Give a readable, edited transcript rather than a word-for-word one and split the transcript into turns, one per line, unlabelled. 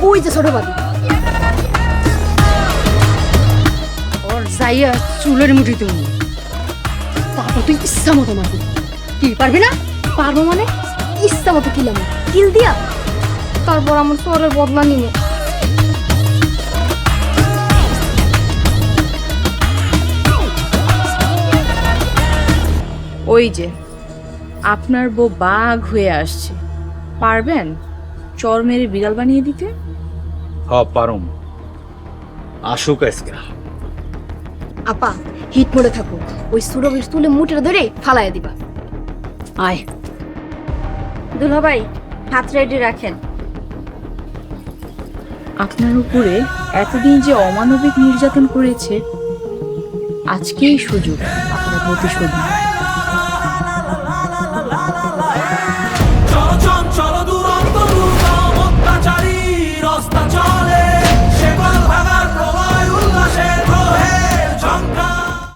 ওই যে ছোট বাবু ওর যাইয়া চুলের মুঠি তুমি তারপর তুই ইচ্ছা মতো মারবি কি পারবি না পারবো মানে ইচ্ছা মতো কিলাম কিল দিয়া তারপর আমার চোরের বদলা নিব
ওই যে আপনার বউ বাঘ হয়ে আসছে, পারবেন চর মেরে বিড়াল বানিয়ে দিতে?
পারুম, আসুক আজকে।
আপা হিট মোড়ে থাকো ওই সুরভের তুলে মুঠের ধরে ফালাইয়া দিবা আয়
দুলা ভাই হাত রেডি রাখেন।
আপনার উপরে এতদিন যে অমানবিক নির্যাতন করেছে, আজকেই সুযোগ আপনার প্রতিশোধ নেওয়ার।